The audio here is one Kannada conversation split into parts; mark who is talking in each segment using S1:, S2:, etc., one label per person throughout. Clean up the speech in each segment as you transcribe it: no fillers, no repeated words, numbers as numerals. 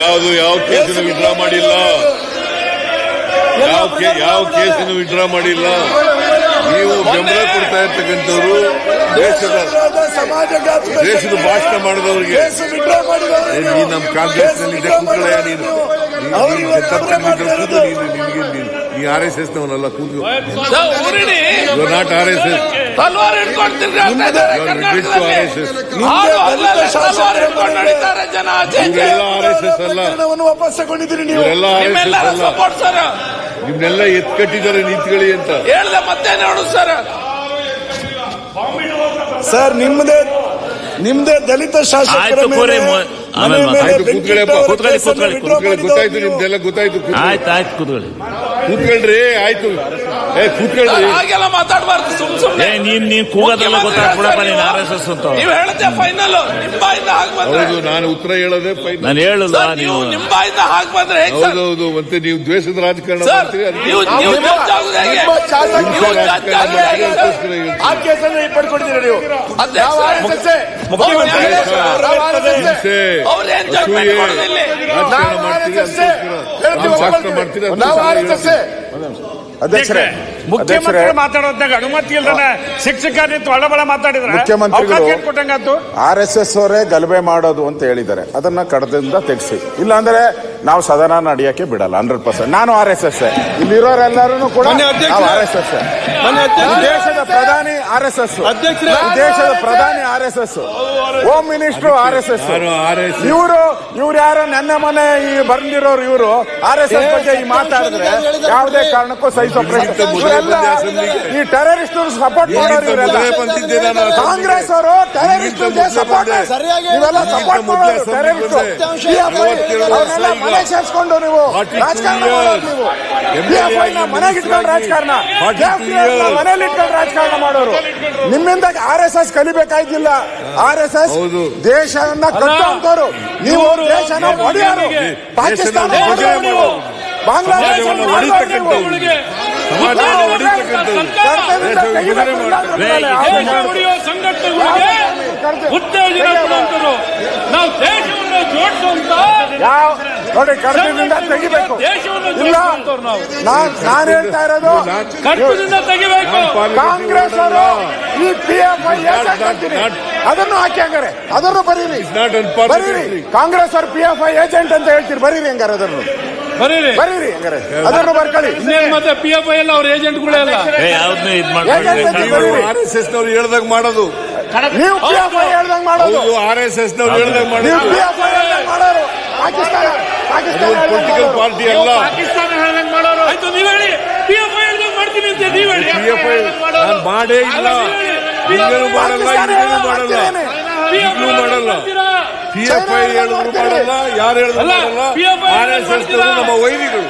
S1: ಯಾವ ಕೇಸನ್ನು ವಿಡ್ರಾ ಮಾಡಿಲ್ಲ, ಯಾವ ಕೇಸನ್ನು ವಿಡ್ರಾ ಮಾಡಿಲ್ಲ. ನೀವು ಬೆಂಬಲ ಕೊಡ್ತಾ ಇರ್ತಕ್ಕಂಥವ್ರು ದೇಶದ ಭಾಷಣ ಮಾಡಿದವರಿಗೆ ನೀ ನಮ್ಮ ಕಾಂಗ್ರೆಸ್ ನಲ್ಲಿ ಕೂತ್ಕೊಳ್ಳಯ್ಯ, ನೀನು ನೀ RSS ನವನಲ್ಲ, ಕೂತ್ಕೊ. ನಾಟ್ RSS,
S2: ವಾಪಸ್ ತಗೊಂಡಿದ್ದೀರಿ ನೀವು.
S1: ನಿಮ್ನೆಲ್ಲ ಎತ್ಕಟ್ಟಿದ್ದಾರೆ ನಿಂತ್ಕೊಳ್ಳಿ ಅಂತ
S3: ಹೇಳ್ದೆ. ಮತ್ತೆ ನೋಡು
S2: ಸರ್ ನಿಮ್ದೇ ದಲಿತ ಶಾಸಕರ ಮೇಲೆ
S1: ಗೊತ್ತಾಯ್ತು, ನಿಮ್ದೆಲ್ಲ ಗೊತ್ತಾಯ್ತು.
S4: ಆಯ್ತು ಕೂತ್ಕೊಳ್ಳಿ,
S1: ಕೂತ್ಕೊಳ್ರಿ. ಆಯ್ತು, ಕೂತ್ಕೊಳ್ರಿ.
S3: ಹಾಗೆಲ್ಲ ಮಾತಾಡಬಾರ್ದು. ಸುಮ್ನೆ
S4: ನೀನ್ ಕೂಗೋದೆಲ್ಲ ಗೊತ್ತಾಗ್ಬಿಡಪ್ಪ, ನೀನ್ RSS ಅಂತ
S3: ನೀವು ಹೇಳದೆ ಫೈನಲ್. ನಿಮ್ಮ ಬಾಯಿಂದ ಹಾಗೆ ಬಂದ್ರೆ
S1: ಹೌದು, ನಾನು ಉತ್ತರ ಹೇಳೋದೇ ಫೈನಲ್.
S4: ನಾನು ಹೇಳಲ್ಲ. ನೀವು
S3: ನಿಮ್ಮ ಬಾಯಿಂದ ಹಾಗೆ ಬಂದ್ರೆ
S1: ಹೌದೌದು, ಮತ್ತೆ ನೀವು ದ್ವೇಷದ ರಾಜಕಾರಣ ಮಾಡ್ತೀರಿ.
S2: ಆ ಕೇಸನ್ನು ಹಿಂಪಡ್ಕೊಡ್ತೀರಿ ನೀವು.
S5: ಅಧ್ಯಕ್ಷರೇ,
S6: ಮುಖ್ಯಮಂತ್ರಿ ಮಾತಾಡೋದಾಗ ಅನುಮತಿ ಇಲ್ಲದ ಶಿಕ್ಷಕರು ಒಳಬಳ ಮಾತಾಡಿದ್ರೆ
S5: ಮುಖ್ಯಮಂತ್ರಿಗಳು RSS ಅವರೇ ಗಲಭೆ ಮಾಡೋದು ಅಂತ ಹೇಳಿದ್ದಾರೆ. ಅದನ್ನ ಕಡದಿಂದ ತೆಗೆಸಿ, ಇಲ್ಲಾಂದ್ರೆ ನಾವು ಸದನ ನಡೆಯಕ್ಕೆ ಬಿಡಲ್ಲ. 100% ನಾನು RSS. ಇಲ್ಲಿರೋರೆಲ್ಲರೂ ಕೂಡ RSS. ದೇಶದ ಪ್ರಧಾನಿ RSS, ದೇಶದ ಪ್ರಧಾನಿ RSS, ಹೋಮ್ ಮಿನಿಸ್ಟರ್ RSS. ಇವ್ರು ಯಾರು ನನ್ನ ಮನೆ ಈ ಬಂದಿರೋರು, ಇವರು RSS ಬಗ್ಗೆ ಈ ಮಾತಾಡಿದ್ರೆ ಯಾವುದೇ ಕಾರಣಕ್ಕೂ ಸಹಿಸೋ ಈ ಟೆರರಿಸ್ಟ್ ಸಪೋರ್ಟ್ ಮಾಡೋರು ಇವರೆಲ್ಲ. ಕಾಂಗ್ರೆಸ್ ಅವರು ಟೆರರಿಸ್ಟ್ ಸಪೋರ್ಟ್, ನೀವೆಲ್ಲ ಸಪೋರ್ಟ್ ಮಾಡೋರು ಟೆರರಿಸ್ಟ್. ಮನೆ ಸೇರಿಸ್ಕೊಂಡು ನೀವು ರಾಜಕಾರಣ ಮಾಡೋರು. ನೀವು PFI ಮನೆಗೆ ಇಟ್ಕೊಂಡು ರಾಜಕಾರಣ, ಮನೇಲಿ ಇಟ್ಕೊಂಡು ರಾಜಕಾರಣ ಮಾಡೋರು. ನಿಮ್ಮಿಂದ RSS ಕಲಿಬೇಕಾಯ್ತಿಲ್ಲ. RSS ದೇಶವನ್ನ ಕಟ್ಟುವಂತವ್ರು, ನೀವು ದೇಶನ ಒಡೆಯರು. ಪಾಕಿಸ್ತಾನ ನೀವು, ಬಾಂಗ್ಲಾದೇಶ
S6: ಉತ್ತೇಜನ ಕೊಡುವಂತರು. ನಾವು ದೇಶವನ್ನು ಜೋಡಿಸುವಂತ
S5: ನೋಡಿ, ಕಡತದಿಂದ ತೆಗಿಬೇಕು. ಇಲ್ಲ, ನಾನು ಹೇಳ್ತಾ ಇರೋದು
S6: ಕಡತದಿಂದ ತೆಗಿಬೇಕು.
S5: ಕಾಂಗ್ರೆಸ್ ಅವರು ಈ PFI ಅದನ್ನು ಹಾಕಿ ಹಂಗಾರೆ ಅದನ್ನು ಬರೀರಿ. ಕಾಂಗ್ರೆಸ್ ಅವರು PFI ಏಜೆಂಟ್ ಅಂತ ಹೇಳ್ತೀರಿ, ಬರೀರಿ ಹಂಗಾರೆ ಅದನ್ನು ಬರೀರಿ ಹಂಗಾರೆ ಅದನ್ನು ಬರ್ಕೊಳ್ಳಿ.
S6: ಮತ್ತೆ PFI ಎಲ್ಲ ಅವ್ರ ಏಜೆಂಟ್ಗಳೇ ಅಲ್ಲ.
S1: RSS ನವ್ರು ಹೇಳ್ದಾಗ ಮಾಡೋದು,
S5: ನೀವು PFI ಹೇಳ್ದಂಗ್ ಮಾಡೋದು.
S1: RSS ನವ್ರು ಹೇಳ್ದಾಗ
S5: ಮಾಡೋರು. ಪಾಕಿಸ್ತಾನ
S1: ಪೊಲಿಟಿಕಲ್ ಪಾರ್ಟಿ ಅಲ್ಲ.
S6: ಪಾಕಿಸ್ತಾನ ಹೇಳ್ದಂಗ್ ಮಾಡೋರು. ಆಯ್ತು, ನೀವ್ ಹೇಳಿ. PFI ಹೇಳ್ದಂಗ್ ಮಾಡ್ತೀನಿ ಅಂತ ನೀವ್ ಹೇಳಿ.
S1: PFI ನಾನು ಮಾಡೇ ಇಲ್ಲ, ಹಿಂಗೇನು ಮಾಡಲ್ಲ, ಹಿಂಗೇನು ಮಾಡಲ್ಲ, ಈಗಲೂ ಮಾಡಲ್ಲ. PFI ಹೇಳಿದ್ರು ಮಾಡಲ್ಲ, ಯಾರು ಹೇಳಿದ್ರು ಮಾಡಲ್ಲ. RSS ನಮ್ಮ ವೈರಿಗಳು.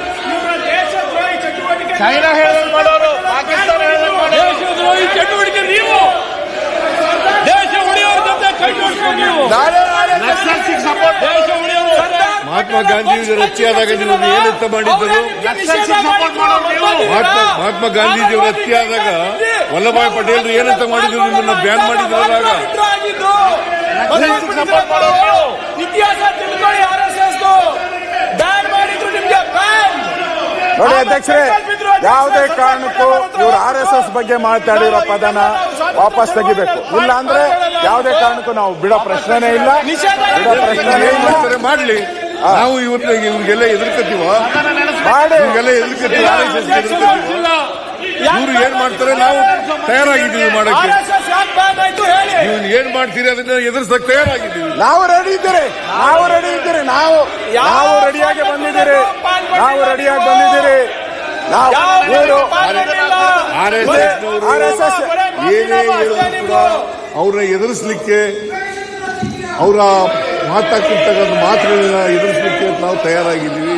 S6: ಚೈನಾ ಹೇಳ್ದಂಗ್ ಮಾಡೋರು, ಪಾಕಿಸ್ತಾನ ಹೇಳ್ದಂಗ್ ಮಾಡೋರು. ದೇಶದ್ರೋಹಿ ಚಟುವಟಿಕೆ ನೀವು. ದೇಶ ಉಳಿಯೋರ ಜೊತೆ ಕೈ ಜೋಡಿಸ್ಕೊಂಡು ನೀವು ದೇಶ ಉಳಿಯೋರು.
S1: ಮಹಾತ್ಮ ಗಾಂಧೀಜಿಯವರು ಹತ್ಯೆಯಾದಾಗ ನೀವು ಏನಂತ ಮಾಡಿದ್ದರು? ಮಹಾತ್ಮ ಗಾಂಧೀಜಿಯವರು ಹತ್ಯೆಯಾದಾಗ ವಲ್ಲಭಾಯ್ ಪಟೇಲ್ ಏನಂತ ಮಾಡಿದ್ರು? ನಿಮ್ಮನ್ನ ಬ್ಯಾನ್ ಮಾಡಿದ್ರಲ್ಲ.
S3: ಇತಿಹಾಸ ತಿಳ್ಕೊಳ್ಳಿ. RSS ಬ್ಯಾನ್ ಮಾಡಿದ್ರು, ನಿಮ್ಗೆ ಬ್ಯಾನ್.
S5: ನೋಡಿ ಅಧ್ಯಕ್ಷರೇ, ಯಾವುದೇ ಕಾರಣಕ್ಕೂ ಇವರು RSS ಬಗ್ಗೆ ಮಾತಾಡಿರೋ ಪದನ ವಾಪಸ್ ತೆಗಿಬೇಕು. ಇಲ್ಲ ಅಂದ್ರೆ ಯಾವುದೇ ಕಾರಣಕ್ಕೂ ನಾವು ಬಿಡೋ ಪ್ರಶ್ನೆನೇ ಇಲ್ಲ.
S1: ಮಾಡ್ಲಿ, ನಾವು ಇವ್ರಿಗೆಲ್ಲ ಎದುರ್ಕತ್ತೀವ, ಇವ್ರಿಗೆಲ್ಲ ಎದುರ್ಕತ್ತೀವ. ಇವ್ರು ಏನ್ ಮಾಡ್ತಾರೆ ನಾವು ತಯಾರಾಗಿದ್ದೀವಿ ಮಾಡಕ್ಕೆ. ನೀವು ಏನ್ ಮಾಡ್ತೀರಿ ಅದನ್ನ ಎದುರಿಸಕ್ ತಯಾರಾಗಿದ್ದೀವಿ.
S5: ನಾವು ರೆಡಿ ಇದ್ದೀರಿ, ನಾವು ರೆಡಿಯಾಗಿ ಬಂದಿದ್ದೀರಿ.
S1: RSS ಏನೇ ಹೇಳಿದ್ರು ಕೂಡ ಅವ್ರನ್ನ ಎದುರಿಸಲಿಕ್ಕೆ, ಅವರ ಮಾತಾಡ್ತಿರ್ತಕ್ಕಂಥ ಮಾತುಗಳನ್ನ ಎದುರಿಸಲಿಕ್ಕೆ ನಾವು ತಯಾರಾಗಿದ್ದೀವಿ.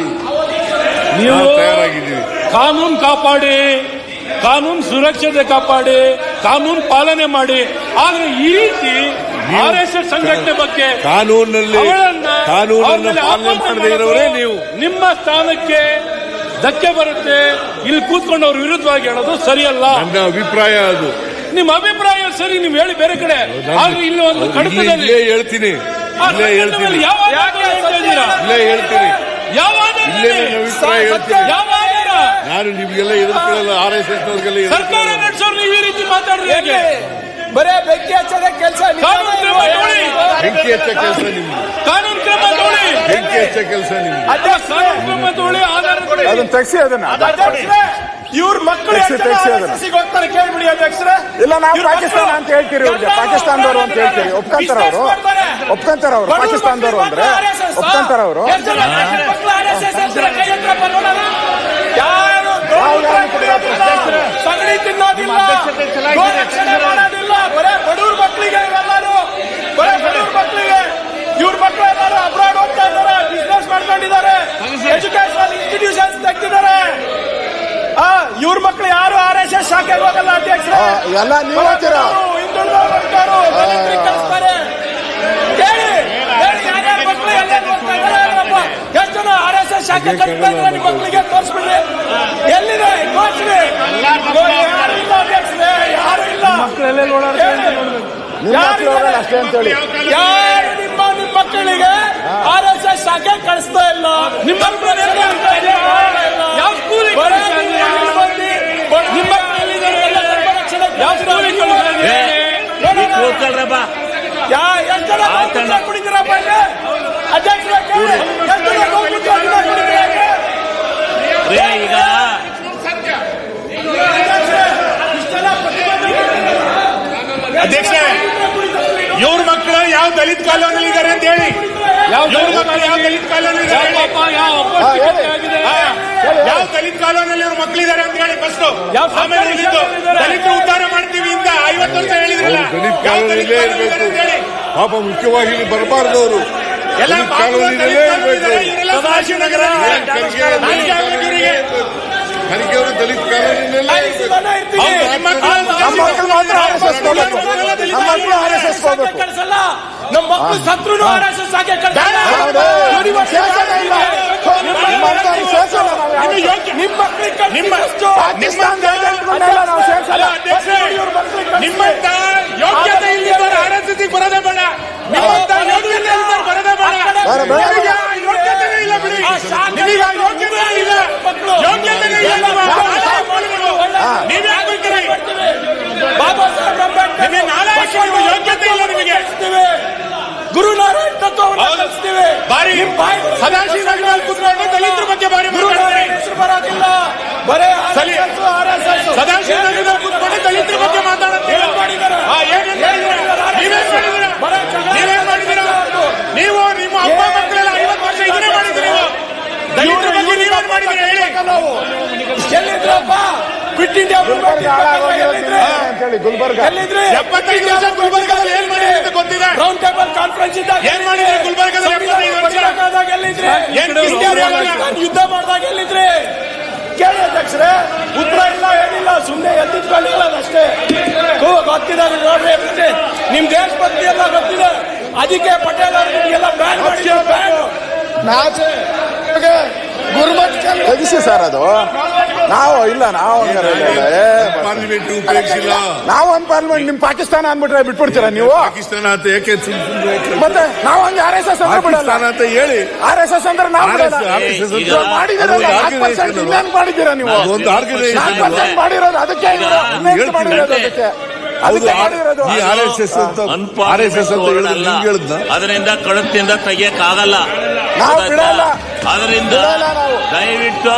S6: ಕಾನೂನು ಕಾಪಾಡಿ, ಕಾನೂನು ಸುರಕ್ಷತೆ ಕಾಪಾಡಿ, ಕಾನೂನು ಪಾಲನೆ ಮಾಡಿ. ಆದ್ರೆ ಈ ರೀತಿ RSS ಸಂಘಟನೆ ಬಗ್ಗೆ
S1: ಕಾನೂನನ್ನು ಪಾಲನೆ ಮಾಡದೇ ಇರೋರೇ ನೀವು.
S6: ನಿಮ್ಮ ಸ್ಥಾನಕ್ಕೆ ಧಕ್ಕೆ ಬರುತ್ತೆ. ಇಲ್ಲಿ ಕೂತ್ಕೊಂಡು ಅವ್ರ ವಿರುದ್ಧವಾಗಿ ಹೇಳೋದು ಸರಿಯಲ್ಲ.
S1: ನನ್ನ ಅಭಿಪ್ರಾಯ ಅದು.
S6: ನಿಮ್ಮ ಅಭಿಪ್ರಾಯ ಸರಿ, ನೀವು ಹೇಳಿ ಬೇರೆ ಕಡೆ. ಆದ್ರೆ ಇಲ್ಲಿ ಒಂದು ಕಡತದಲ್ಲಿ
S1: ಹೇಳ್ತೀನಿ, ಇಲ್ಲೇ ಹೇಳ್ತೀನಿ.
S6: ಯಾವ ಆಧಾರ ಹೇಳ್ತಾ ಇದ್ದೀರಾ?
S1: ಇಲ್ಲೇ ಹೇಳ್ತೀನಿ.
S6: ಯಾವ ಆಧಾರ?
S1: ಇಲ್ಲೇ ನನ್ನ ಅಭಿಪ್ರಾಯ ಹೇಳ್ತೀನಿ.
S6: ಯಾವ ಆಧಾರ?
S1: ನಾನು ನಿಮ್ಗೆಲ್ಲ ಎದುರ್ಕೊಳ್ಳಲ್ಲ, RSS ನವ್ರಿಗೆಲ್ಲ
S6: ಸರ್ಕಾರ
S1: ಎದುರ್ಕೊಳ್ಳಲ್ಲ.
S6: ನಡೆಸೋರು ನೀವು ಈ ರೀತಿ ಮಾತಾಡ್ರಿ ಹೇಗೆ?
S3: ಬರೇ ಬೆಂಕಿ ಹಚ್ಚದ ಕೆಲಸ
S6: ಕಾನೂನು ಕ್ರಮ ತಗೊಳ್ಳಿ.
S1: ಬೆಂಕಿ ಹಚ್ಚ ಕೆಲಸ ನಿಮ್ದು.
S6: ಕಾನೂನು ಕ್ರಮ ತಗೊಳ್ಳಿ.
S1: ಬೆಂಕಿ ಹಚ್ಚ ಕೆಲಸ ನಿಮ್ದು.
S6: ಕಾನೂನು ಕ್ರಮ ತಗೊಳ್ಳಿ. ಆಧಾರ ಕೊಡಿ.
S5: ಅದನ್ನ ತೆಗ್ಸಿ ಅದನ್ನ
S3: ಇವ್ರ ಮಕ್ಕಳು
S5: ತೆಗ್ಸಿ ಅದನ್ನ.
S3: ಹೋಗ್ತಾರೆ ಕೇಳ್ಬಿಡಿ ಅಧ್ಯಕ್ಷರೇ.
S5: ಇಲ್ಲ ನಾವು ಪಾಕಿಸ್ತಾನ ಅಂತ ಹೇಳ್ತೀರಿ, ಇವ್ರಿಗೆ ಪಾಕಿಸ್ತಾನದವರು ಅಂತ ಹೇಳ್ತೀರಿ. ಒಪ್ಕೊಂತಾರ ಅವರು ಪಾಕಿಸ್ತಾನದವರು ಅಂದ್ರೆ ಒಪ್ಕೊಂತಾರ ಅವರು.
S3: ಸಗಣಿ ತಿನ್ನೋದಿಲ್ಲ, ಗೋರಕ್ಷಣೆ ಮಾಡೋದಿಲ್ಲ, ಬರೇ ಬಡವ್ರ ಮಕ್ಕಳಿಗೆ ಇವೆಲ್ಲರೂ, ಬರೇ ಬಡವ್ರ ಮಕ್ಕಳಿಗೆ. ಇವ್ರ ಮಕ್ಕಳು ಎಲ್ಲರೂ ಅಬ್ರಾಡ್ ಹೋಗ್ತಾ ಇದ್ದಾರೆ, ಬಿಸ್ನೆಸ್ ಮಾಡ್ಕೊಂಡಿದ್ದಾರೆ, ಎಜುಕೇಶನಲ್ ಇನ್ಸ್ಟಿಟ್ಯೂಷನ್ಸ್ ತೆಗ್ದಿದ್ದಾರೆ. ಇವ್ರ ಮಕ್ಕಳು ಯಾರು RSS ಶಾಖೆಗೆ ಹೋಗಲ್ಲ ಅಧ್ಯಕ್ಷರೇ.
S5: ಎಲ್ಲ ನೀವು ಹೇಳ್ತೀರಾ.
S3: ಹಿಂದುಳಿದವರು ಹೋಗ್ತಾರೋ, ದಲಿತರಿಗೆ ಕಳಿಸ್ತಾರೆ. ಹೇಳಿ ಯಾರ್ಯಾರ ಮಕ್ಕಳು ಎಲ್ಲೆಲ್ಲಿ ಹೋಗ್ತಾ ಇದ್ದಾರೆ? ಎಷ್ಟು ಜನ RSS ಶಾಖೆ ಕಳಿಸ್ತಾ ಇದ್ದಾರೆ ನಿಮ್ಮ ಮಕ್ಕಳಿಗೆ ತೋರಿಸ್ಬಿಡ್ರಿ. ಎಲ್ಲಿದೆ ತೋರಿಸ್ರಿ. ಯಾರು ಇಲ್ಲ ಅಧ್ಯಕ್ಷರೇ, ಯಾರು ಇಲ್ಲ.
S5: ನಿಮ್ಮ ಮಕ್ಕಳು ಹೋಗಲ್ಲ ಅಷ್ಟೇ ಅಂತ ಹೇಳಿ.
S3: ಯಾರು ನಿಮ್ಮ ಮಕ್ಕಳಿಗೆ RSS ಶಾಖೆ ಕಳಿಸ್ತಾ ಇಲ್ಲ.
S6: ನಿಮ್ಮ ಮಕ್ಕಳು ಯಾವ ಸ್ಕೂಲಿಗೆ ನಿಮ್ಮ
S4: ಕೂತ್ಕೊಳ್ರಪ್ಪ.
S3: ಕುಡಿದಿರಪ್ಪ ಅಧ್ಯಕ್ಷರ
S4: ಈಗ
S7: ಅಧ್ಯಕ್ಷ, ಇವ್ರ ಮಕ್ಕಳು ಯಾವ ದಲಿತ ಕಾಲೋನಿಯಲ್ಲಿ ಇದ್ದಾರೆ ಅಂತ ಹೇಳಿ. ಇವ್ರ ಮಕ್ಕಳು ಯಾವ ದಲಿತ ಕಾಲೋನಿ ಇದ್ದಾರೆ, ಯಾವ ದಲಿತ ಕಾಲೋನಿಯಲ್ಲಿ ಇವ್ರ ಮಕ್ಕಳಿದ್ದಾರೆ ಅಂತ ಹೇಳಿ ಫಸ್ಟ್. ಆಮೇಲೆ ಉಳಿದಿದ್ದು ದಲಿತರು ಉದ್ಧಾರ ಮಾಡ್ತೀವಿ ಅಂತ 50 ವರ್ಷ ಹೇಳಿದ್ರಲ್ಲ,
S1: ದಲಿತ
S7: ಯಾವ ದಲಿತ
S1: ಕಾಲೋನಿಯಲ್ಲೇ
S7: ಕಾಲೋನಿ ಇದ್ದಾರೆ ಅಂತ ಹೇಳಿ.
S1: ಪಾಪ ಮುಖ್ಯವಾಗಿ ಇಲ್ಲಿ ಬರಬಾರ್ದು ಅವರು.
S7: ಎಲ್ಲ
S1: ದಲಿತ ಕಾಲೋನಿಯಲ್ಲೇ ಇರಬೇಕು.
S7: ಸದಾಶಿವನಗರ ಇವರಿಗೆ
S1: ಖರ್ಗೆ ಅವರು ದಲಿತ ಕಾಲೋನಿಯಲ್ಲೇ ಇರಬೇಕು.
S5: ನಮ್ಮ ಮಕ್ಕಳು ಮಾತ್ರ RSS ಹೋಗ್ಬೇಕು. ನಮ್ಮ ಮಕ್ಕಳು RSS ಹೋಗ್ಬೇಕು.
S3: ಕಳಿಸಲ್ಲ. ನಮ್ಮ ಮಕ್ಕಳು ಸತ್ರು RSS ಶಾಖೆ ಕಳಿಸಲ್ಲ.
S5: ಸೇರ್ಸೋದೇ ಇಲ್ಲ. ನಿಮ್ಮ ಅಂಥವ್ರಿಗೆ ಸೇರ್ಸಲ್ಲ ನಾವು ಯಾವತ್ತೂ.
S3: ನಿಮ್ಮ ಮಕ್ಕಳಿಗೆ
S5: ಪಾಕಿಸ್ತಾನದ ಏಜೆಂಟ್ಗಳನ್ನೆಲ್ಲ ನಾವು ಸೇರ್ಸಲ್ಲ.
S7: ನಿಮ್ಮಂತ ಯೋಗ್ಯತೆ ಇಲ್ಲಿದ್ದವರು RSS ಬರೋದೇ ಬೇಡ. ನಿಮ್ಮಂತ ಯೋಗ್ಯತೆ ಇಲ್ಲಿದ್ದವರು ಬರೋದೇ ಬೇಡ. ನಿಮಗೆ ಆ ಯೋಗ್ಯತೆನೇ ಇಲ್ಲ ಬಿಡಿ. ನಿಮಗೆ ಆ ಯೋಗ್ಯತೆ ಇಲ್ಲ, ಯೋಗ್ಯತೆನೇ ಇಲ್ಲ. ನೀವೇ ಆಗ್ಬೇಕ್ರಿ.
S3: ಬಾಬಾ ಸಾಹೇಬ್ ಅಂಬೇಡ್ಕರ್
S7: ನಿಮಗೆ ನಾಳೆ ಹಾಕಿರುವ ಯೋಗ್ಯತೆ ಇಲ್ಲ ನಿಮಗೆ.
S3: ಗುರುನಾರಾಯಣ್ ತತ್ವವನ್ನು ಕಲಿಸ್ತೀವಿ.
S7: ಬಾರಿ ಸದಾಶಿವನಗರ ಕೂತ್ಕೊಂಡು ದಲಿತರ ಬಗ್ಗೆ ಬಾರಿ ಮಾತಾಡ್ತಾರೆ.
S3: ಹೆಸರು ಬರೋದಿಲ್ಲ, ಬರೇ RSS.
S7: ಸದಾಶಿವನಗರ ಕೂತ್ಕೊಂಡು ದಲಿತರ ಬಗ್ಗೆ ಮಾತಾಡುತ್ತೀವಿ. ನೀವೇನ್ ಮಾಡಿದ್ದೀರಾ? ನೀವು ನಿಮ್ಮ ಅಪ್ಪ ಮಕ್ಕಳೆಲ್ಲ 50 ವರ್ಷ ಇದನ್ನೇ ಮಾಡಿದ್ರಿ. ನೀವು ದಲಿತರ ಬಗ್ಗೆ ನೀವೇನ್ ಮಾಡಿದ್ರಿ ಹೇಳಿ.
S3: ನಾವು ಎಲ್ಲಿದ್ರಪ್ಪ? ಕ್ವಿಟ್ ಇಂಡಿಯಾ
S5: ಅಂತೇಳಿ ಗುಲ್ಬರ್ಗ
S3: ಎಲ್ಲಿದ್ರಿ?
S7: 75 ವರ್ಷ ಗುಲ್ಬರ್ಗದಲ್ಲಿ ಏನ್ ಮಾಡಿದ್ರಿ ಅಂತ ಗೊತ್ತಿದೆ.
S3: ರೌಂಡ್ ಟೇಬಲ್ ಕಾನ್ಫರೆನ್ಸ್ ಇದ್ದಾಗ
S7: ಏನ್ ಮಾಡಿದ್ರಿ ಗುಲ್ಬರ್ಗದಲ್ಲಿ 75 ವರ್ಷ?
S3: ಎಲ್ಲಿದ್ರಿ?
S7: ಏನ್
S3: ಯುದ್ಧ ಮಾಡಿದಾಗ ಎಲ್ಲಿದ್ರಿ? ಕೇಳಿ ಅಧ್ಯಕ್ಷರೇ, ಉತ್ತರ ಇಲ್ಲ, ಏನಿಲ್ಲ, ಸುಮ್ಮನೆ ಎದ್ದಿಟ್ಕೊಂಡಿಲ್ಲ ಅಷ್ಟೇ. ಗೊತ್ತಿದೆ ನೋಡ್ರಿ, ನಿಮ್ ದೇಶಭಕ್ತಿ ಎಲ್ಲ ಗೊತ್ತಿದೆ. ಅದಕ್ಕೆ ಪಟೇಲ್ ಅವರು ನಿಮ್ಗೆಲ್ಲ ಬ್ಯಾನ್ ಮಾಡಿದ್ರು.
S5: ತೆಗಿಸಿ ಸರ್ ಅದು. ನಾವು ಇಲ್ಲ, ನಾವು
S1: ಪಾರ್ಲಿಮೆಂಟ್ ಉಪಯೋಗಿಸಿಲ್ಲ.
S5: ನಾವು ಒಂದು ಪಾರ್ಲಿಮೆಂಟ್. ನಿಮ್ ಪಾಕಿಸ್ತಾನ ಅಂದ್ಬಿಟ್ರೆ ಬಿಟ್ಬಿಡ್ತೀರಾ ನೀವು?
S1: ಪಾಕಿಸ್ತಾನ ಅಂತ ಯಾಕೆ
S5: ಮತ್ತೆ ನಾವು ಹಂಗೆ RSS ಅಂದ್ರೆ ಬಿಡಲ್ಲ.
S1: ಪಾಕಿಸ್ತಾನ ಅಂತ ಹೇಳಿ
S5: RSS ಅಂದ್ರೆ ನಾವು ಬಿಡಲ್ಲ. ಮಾಡಿದಿರಲ್ಲ, 4% ಇನ್ನೇನ್ ಮಾಡಿದ್ದೀರಾ ನೀವು?
S1: ಒಂದು ಆರ್ಗನೈಸೇಷನ್
S5: 4% ಮಾಡಿರೋದು ಅದಕ್ಕೆ ಮಾಡಿರೋದು ಅದಕ್ಕೆ. ಅದಕ್ಕೆ ಮಾಡಿರೋದು.
S1: ಈ RSS ಅಂತ ಹೇಳಿದ್ನ
S4: ಅದರಿಂದ ಕಡತದಿಂದ ತೆಗಿಯಕ್ಕಾಗಲ್ಲ.
S5: ನಾವು ಬಿಡಲ್ಲ.
S4: ಅದರಿಂದ
S5: ನಾವು
S4: ದಯವಿಟ್ಟು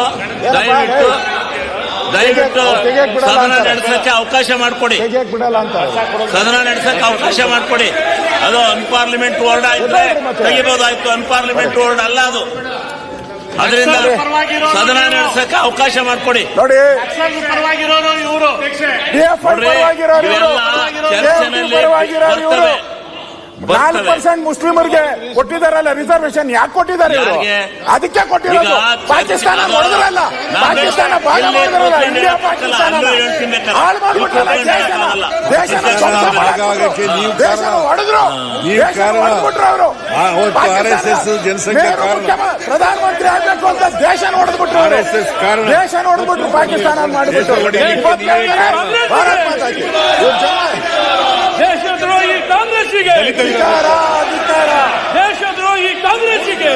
S4: ಸದನ ನಡೆಸಕ್ಕೆ ಅವಕಾಶ ಮಾಡಿಕೊಡಿ.
S5: ತೆಗಿಯಕ್ ಬಿಡಲ್ಲ ಅಂತ
S4: ಸದನ ನಡೆಸಕ್ಕೆ ಅವಕಾಶ ಮಾಡಿಕೊಡಿ. ಅದು ಅನ್ಪಾರ್ಲಿಮೆಂಟ್ ವರ್ಡ್ ಆಯ್ತು, ತೆಗಿಬಹುದಾಯ್ತು. ಅನ್ಪಾರ್ಲಿಮೆಂಟ್ ವರ್ಡ್ ಅಲ್ಲ ಅದು. ಅದರಿಂದ ಸದನ ನಡೆಸಕ್ಕೆ ಅವಕಾಶ ಮಾಡಿಕೊಡಿ.
S5: ನೋಡಿ,
S7: ಪರವಾಗಿರೋರು ಇವರು
S4: ಚರ್ಚೆನಲ್ಲಿ ಬರ್ತವೆ.
S5: 4% ಮುಸ್ಲಿಮರಿಗೆ ಕೊಟ್ಟಿದಾರಲ್ಲ ರಿಸರ್ವೇಶನ್. ಯಾಕೆ ಕೊಟ್ಟಿದ್ದಾರೆ ಇವರು? ಅದಕ್ಕೆ ಕೊಟ್ಟಿರೋದು. ಪಾಕಿಸ್ತಾನ ಹೊಡೆದ್ರಲ್ಲ, ಪಾಕಿಸ್ತಾನ ಭಾಗ ಮಾಡಿದ್ರಲ್ಲ, ಇಂಡಿಯಾ ಪಾಕಿಸ್ತಾನ ಹಾಳು ಮಾಡ್ಬಿಟ್ರಲ್ಲ ದೇಶನ ಹೊಡೆದ್ರು. ಹೊಡೆದ್ಬಿಟ್ರು ಅವರು. ಪ್ರಧಾನಮಂತ್ರಿ ಆಗ್ಬೇಕು ಅಂತ ದೇಶನ ಹೊಡೆದ್ಬಿಟ್ರು. ದೇಶನ ಹೊಡೆದ್ಬಿಟ್ರು, ಪಾಕಿಸ್ತಾನ ಮಾಡಿಬಿಟ್ರು. ಭಾರತ್ ಮಾತಾ ಕಿ.
S6: ದೇಶದ್ರೋಹಿ ಕಾಂಗ್ರೆಸ್ಸಿಗೆ ದೇಶದ್ರೋಹಿ ಕಾಂಗ್ರೆಸ್ಸಿಗೆ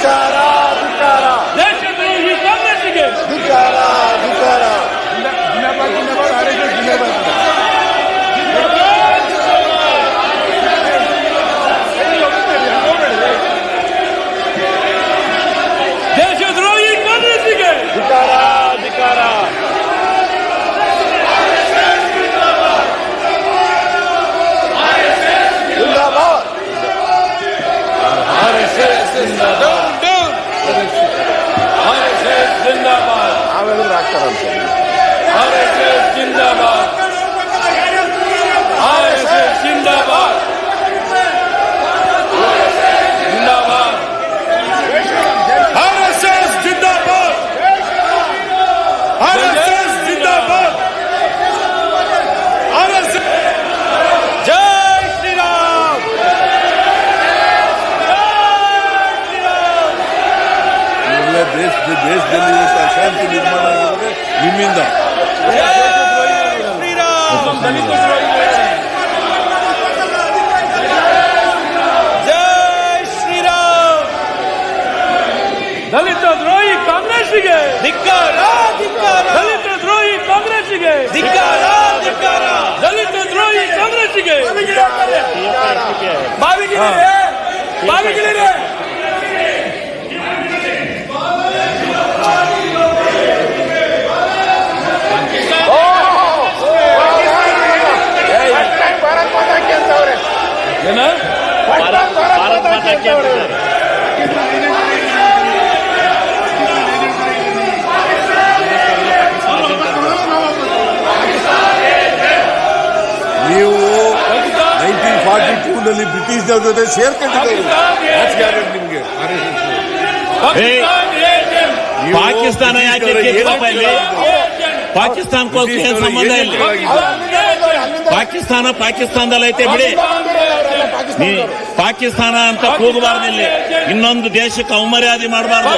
S6: ದೇಶದ್ರೋಹಿ ಕಾಂಗ್ರೆಸ್ಸಿಗೆ ದೇಶದ್ರೋಹಿ ಕಾಂಗ್ರೆಸ್ಸಿಗೆ
S5: ನಾವೆಲ್ಲರೂ ಆಗ್ತಾರಂತ
S6: ಜಿಂದಾಬಾದ್ ಜಿಂದಾಬಾದ್ ಜಿಂದಾಬಾದ್
S7: ಆರ್ಎಸ್ಎಸ್ ಜಿಂದಾಬಾದ್ ಆರ್ಎಸ್ಎಸ್ ಜಿಂದಾಬಾದ್ ಆರ್ಎಸ್ಎಸ್
S6: ಜೈ ಶ್ರೀರಾಮ್
S1: ಎಲ್ಲ ದೇಶದಲ್ಲಿ ಅಶಾಂತಿ ನಿರ್ಮಾಣ ಆಗಿರೋದೇ ನಿಮ್ಮಿಂದ.
S6: ಜೈ ಶ್ರೀರಾಮ್ ದಲಿತ ದ್ರೋಹಿ ಕಾಂಗ್ರೆಸ್ಸಿಗೆ ಧಿಕ್ಕಾರ ದಲಿತ ದ್ರೋಹಿ ಕಾಂಗ್ರೆಸ್ಸಿಗೆ ಧಿಕ್ಕಾರ ದಲಿತ ದ್ರೋಹಿ ಕಾಂಗ್ರೆಸ್ಸಿಗೆ ಬಾವಿಗಿಳಿರೆ ಏನ
S1: ನೀವು 1942ನಲ್ಲಿ ಬ್ರಿಟಿಷ್ನವ್ರ ಜೊತೆ ಸೇರ್ಕೊಂಡಿದ್ದವರು ನಾಚಿಕೆ ಆಗೋದು ನಿಮ್ಗೆ.
S4: ಪಾಕಿಸ್ತಾನ ಯಾಕೆ ಕೇಳಪ್ಪ ಇಲ್ಲಿ? ಪಾಕಿಸ್ತಾನಕ್ಕೋಸ್ಕರ ಏನ್ ಸಂಬಂಧ ಇಲ್ಲ. ಪಾಕಿಸ್ತಾನದಲ್ಲಿ ಐತೆ ಬಿಡಿ. ಪಾಕಿಸ್ತಾನ ಅಂತ ಕೂಗಬಾರ್ದು ಇಲ್ಲಿ. ಇನ್ನೊಂದು ದೇಶಕ್ಕೆ ಅವಮರ್ಯಾದೆ ಮಾಡಬಾರ್ದು.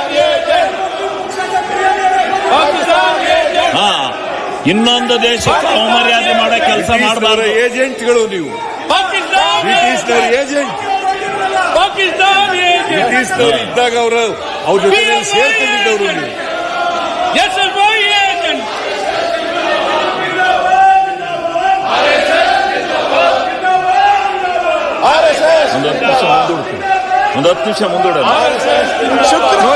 S4: ಹಾ, ಇನ್ನೊಂದು ದೇಶಕ್ಕೆ ಅವಮರ್ಯಾದೆ ಮಾಡೋ ಕೆಲಸ ಮಾಡಬಾರ್ದು.
S1: ಏಜೆಂಟ್ಗಳು ನೀವು, ಬ್ರಿಟಿಷ್ನವ್ರ ಏಜೆಂಟ್. ಬ್ರಿಟಿಷ್ನವ್ರು ಇದ್ದಾಗ ಅವ್ರ ಜೊತೆ ಸೇರ್ಕೊಂಡಿದ್ದವರು ನೀವು.
S4: ಒಂದು 10 ನಿಮಿಷ ಮುಂದೂಡ.